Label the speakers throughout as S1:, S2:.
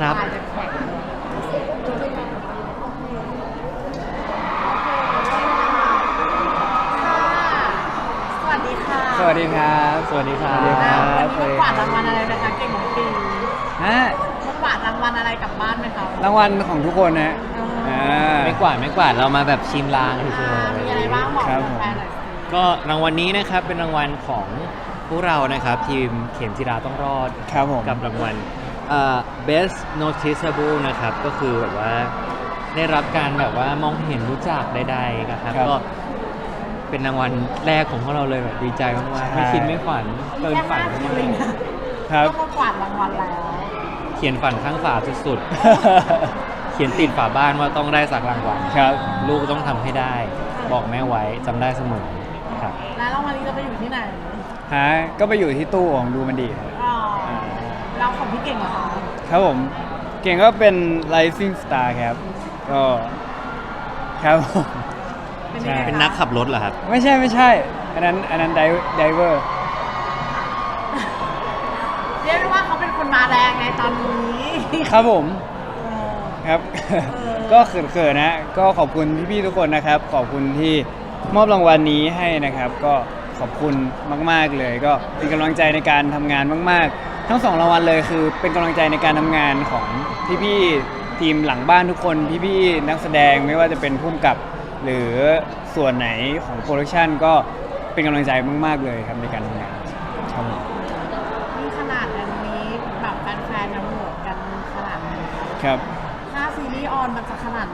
S1: ครับ
S2: สวัสดีค่ะ
S3: สวัสดีครับสวัสดีครับ
S2: วันนี้
S3: ส
S2: มาว
S3: สดี
S2: กวาดรางวัลอะไรนะคะเก่งของปี
S3: ฮะ
S2: มากวาดรางวัลอะไรกลับบ้านไหมคะ
S3: รางวัลของทุกคนนะอ่า
S1: ไม่กวาดเรามาแบบชิมลางเฉย
S2: มีอะไรบ้างบอก
S3: ครับผม
S2: แฟนๆหน่อยสิ
S1: ๆก็รางวัลนี้นะครับเป็นรางวัลของพวกเรานะครับทีมเข็มจิราต้องรอด
S3: ครับผม
S1: กับรางวัลbest noticeable นะครับก็คือแบบว่าได้รับการแบบว่ามองเห็นรู้จักใดๆนะครับก็เป็นรางวัลแรกของพวกเราเลยแบบดีใจมากๆไม่คิดไม่ฝันเกินฝัน
S2: แค่
S1: มา
S2: 5 ปี
S1: ก
S3: ครับ
S2: ก็มากวาดรางวัลแล้ว
S1: เขียนฝันข้างฝาสุดๆ เขียนติดฝาบ้านว่าต้องได้สักรางวัล
S3: ครับ
S1: ลูกต้องทำให้ได้ บอกแม่ไว้จำได้เสมอครับ
S2: แล้วรางวัลนี้จะไปอยู่ที่ไหน
S3: ฮะก็ไปอยู่ที่ตู้ของดูมันดีครับ
S2: อ๋อเราของพี่เก่งเหรอคะ
S3: ครับผมเก่งก็เป็น Rising Star ครับก็ครับผม
S2: เป็นยังไง
S1: เป็น
S2: คะ
S1: นักขับรถเหรอครับ
S3: ไม่ใช่อันนั้นไดเวอร์
S2: เรียกได้ว่าเขาเป็นคนมาแรงในตอนนี้
S3: ครับผม
S2: เออ
S3: ครับ
S2: อ
S3: ก็เขินๆนะก็ขอบคุณพี่ๆทุกคนนะครับ ขอบคุณที่มอบรางวัลนี้ให้นะครับ ก็ขอบคุณมากๆเลย ก็เป็นกำลังใจในการทำงานมากๆ ทั้งสองรางวัลเลยคือเป็นกำลังใจในการทำงานของพี่ๆทีมหลังบ้านทุกคนพี่ๆนักแสดงไม่ว่าจะเป็นผู้กำกับ หรือส่วนไหนของโปรดักชันก็เป็นกำลังใจมากๆเลยครับในการทำงานครับผม
S2: นี่ขนาดอันนี้แบบแฟนๆนะโหวตกันขนาดไหน
S3: ครับ
S2: ถ้าซีรีส์ออนมันจะขนาดไหน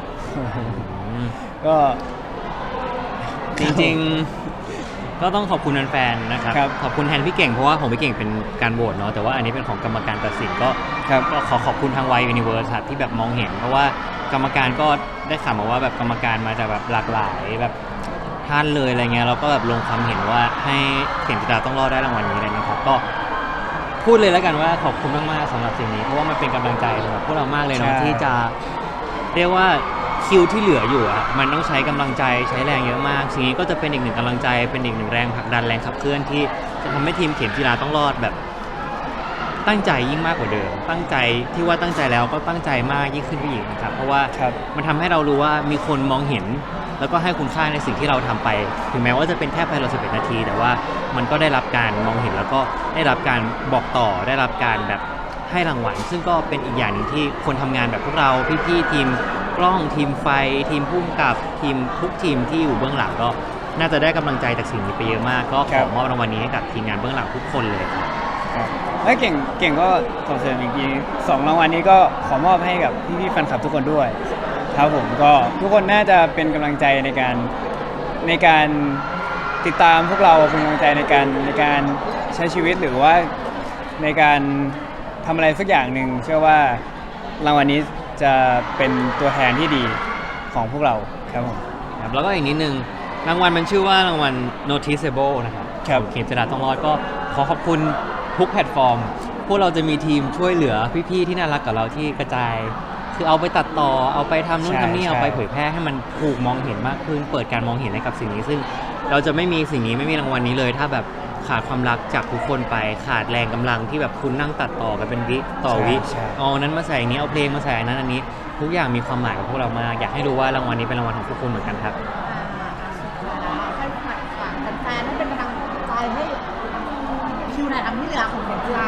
S3: ก็
S1: จริงๆ ก็ต้องขอบคุณแฟนๆ นะครับ
S3: ครับ
S1: ขอบคุณแทนพี่เก่งเพราะว่าของพี่เก่งเป็นการโหวตเนาะ แต่ว่าอันนี้เป็นของกรรมการตัดสินก็
S3: ครับ
S1: ก็ขอบคุณทางวายยูนิเวิร์สครับที่แบบมองเห็น เพราะว่ากรรมการก็ได้ข่าวมาว่าแบบกรรมการมาจากแบบหลากหลายแบบท่านเลยอะไรเงี้ยเราก็แบบลงความเห็นว่าให้เข็มจิตราต้องรอดได้รางวัลนี้เลยนะครับ ก็พูดเลยแล้วกันว่าขอบคุณมากๆสำหรับสิ่งนี้เพราะว่ามันเป็นกำลังใจสำหรับพวกเรามากเลยเนาะ
S3: ใช่
S1: ที่จะเรียกว่าคิวที่เหลืออยู่อะมันต้องใช้กำลังใจใช้แรงเยอะมากสิ่งนี้ก็จะเป็นอีกหนึ่งกำลังใจเป็นอีกหนึ่งแรงผลักดันแรงขับเคลื่อนที่จะทำให้ทีมเข็มจิราต้องรอดแบบตั้งใจยิ่งมากกว่าเดิมตั้งใจที่ว่าตั้งใจแล้วก็ตั้งใจมากยิ่งขึ้นไปอีกนะครับเพราะว่า
S3: ครับ
S1: มันทำให้เรารู้ว่ามีคนมองเห็น แล้วก็ให้คุณค่าในสิ่งที่เราทำไป ถึงแม้ว่าจะเป็นแค่ภายใน11 นาที แต่ว่ามันก็ได้รับการมองเห็นแล้วก็ได้รับการบอกต่อได้รับการแบบให้รางวัลซึ่งก็เป็นอีกอย่างหนึ่งที่คนทำงานแบบพวกเราพี่ๆทีมกล้องทีมไฟทีมผู้กำกับทีมทุกทีมที่อยู่เบื้องหลังก็น่าจะได้กำลังใจจากสิ่งนี้ไปเยอะมาก ก็ข
S3: ครั
S1: อบ มอบรางวัลนี้ให้กับทีมงานเบื้องหลังทุกคนเลยครับ
S3: ครับและเก่งก็ขอเสริมอีกทีสองรางวัลนี้ก็ขอมอบให้กับพี่ๆแฟนคลับทุกคนด้วยครับผมก็ทุกคนน่าจะเป็นกำลังใจในการติดตามพวกเราเป็นกำลังใจในการใช้ชีวิตหรือว่าในการทำอะไรสักอย่างหนึ่งเชื่อว่ารางวัลนี้จะเป็นตัวแทนที่ดีของพวกเราครับผม
S1: ครับแล้วก็อีกนิดนึงรางวัลมันชื่อว่ารางวัล noticeable นะครับ
S3: ครับ
S1: ของเข็มจิราต้องรอดก็ขอขอบคุณทุกแพลตฟอร์ม พวกเราจะมีทีมช่วยเหลือพี่ๆที่น่ารักกับเราที่กระจาย คือเอาไปตัดต่อเอาไปทำนู่นทำนี่เอาไปเผยแพร่ให้มันถูกมองเห็นมากขึ้น เปิดการมองเห็นให้กับสิ่งนี้ ซึ่งเราจะไม่มีสิ่งนี้ไม่มีรางวัลนี้เลย ถ้าแบบขาดความรักจากทุกคนไปขาดแรงกำลังที่แบบคุณนั่งตัดต่อกันเป็นวิต่อวิ
S3: ใช่
S1: เอาอันนั้นมาใส่อันนี้เอาเพลงมาใส่อันนั้นอันนี้ ทุกอย่างมีความหมายกับพวกเรามากอยากให้รู้ว่ารางวัลนี้เป็นรางวัลของทุกคนเหมือนกันครับ
S2: ให้ฝากแฟนๆให้เป็นกำลังใจให้คิวไหนทำที่เหลือของเข็มจีรา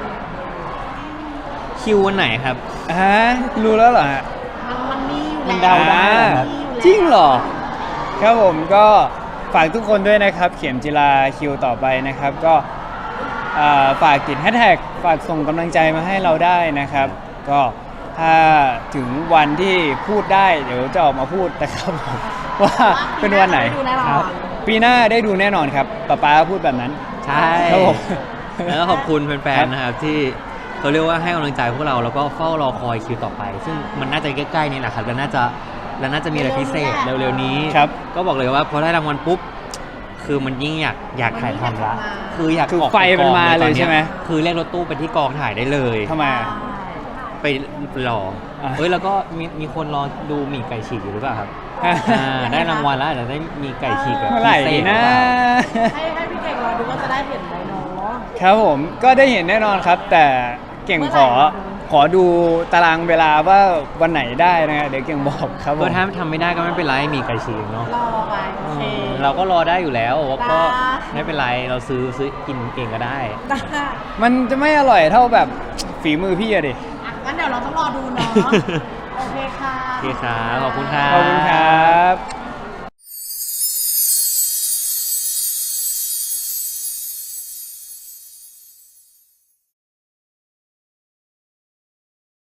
S1: คิววันไหนครับ
S3: ฮะรู้แล้วเหรอฮะ
S2: มันมีอยู่
S1: มัน
S2: แล้ว
S1: เดาได้เหรอครับ
S2: มันมีอยู่แล้ว
S3: จริงเหรอ ครับผมก็ฝากทุกคนด้วยนะครับ เข็มจิราคิวต่อไปนะครับ ก็ฝากติดแฮชแท็กฝากส่งกำลังใจมาให้เราได้นะครับ ก็ถ้าถึงวันที่พูดได้เดี๋ยวจะออกมาพูดนะครับผม ว่าเป็นวันไหน
S2: ดูแน่นอน
S3: ครับปีหน้าได้ดูแน่นอนครับป๊าพูดแบบนั้น
S1: ใช่
S3: ครับผม
S1: แล้วก็ขอบคุณแฟนๆนะครับที่เขาเรียกว่าให้กำลังใจพวกเราแล้วก็เฝ้ารอคอยคิวต่อไป ซึ่งมันน่าจะใกล้ๆนี่แหละครับแล้วน่าจะมีอะไรพิเศษเร็วๆนี้
S3: ครับ
S1: ก็บอกเลยว่าพอได้รางวัลปุ๊บคือมันยิ่งอยากถ่ายทำละคืออยาก
S3: คือ
S1: ออก
S3: ไฟ
S1: ป
S3: มัน
S1: กอง
S3: มาเลย
S1: ตอนนี้
S3: ใช่ไหม
S1: คือเรียกรถตู้ไปที่กองถ่ายได้เลย
S3: ทำไมอ่ะ
S1: ไปรอ
S3: อ่ะ
S1: เฮ้ยแล้วก็มีคนรอดูหมี่ไก่ฉีกอยู่หรือเปล่าครับได้รางวัลแล้วอาจจะได้มีไก่ฉีกแบบ
S3: เมื่อ
S1: พิ
S3: ไหร่
S1: เศ
S3: ดี
S1: ษหรือ
S3: นะ
S1: เปล่า
S2: ให้พี่เก่งรอดูว่าจะได้เห็นไหมเนาะ
S3: ครับผมก็ได้เห็นแน่นอนครับ แต่เก่งขอ
S2: เ
S3: ขอดูตารางเวลาว่าวันไหนได้นะฮะเดี๋ยวเก่งบอกครับผ
S1: ก็
S3: ม
S1: ถ้าทำไม่ได้ก็ไม่เป็นไรมีไกชีเนาะ
S2: รอไปโอเค
S1: เราก็รอได้อยู่แล้วก็
S2: ได้
S1: ไม่เป็นไรเราซื้อกินเองก็ได้
S2: ได้
S3: มันจะไม่อร่อยเท่าแบบฝีมือพี่อะดิ
S2: อ่ะงั้นเดี๋ยวเราต้องรอดูเนาะ โอเคค่ะ
S1: โอเคครับขอบคุณครับ
S3: ขอบคุณครับ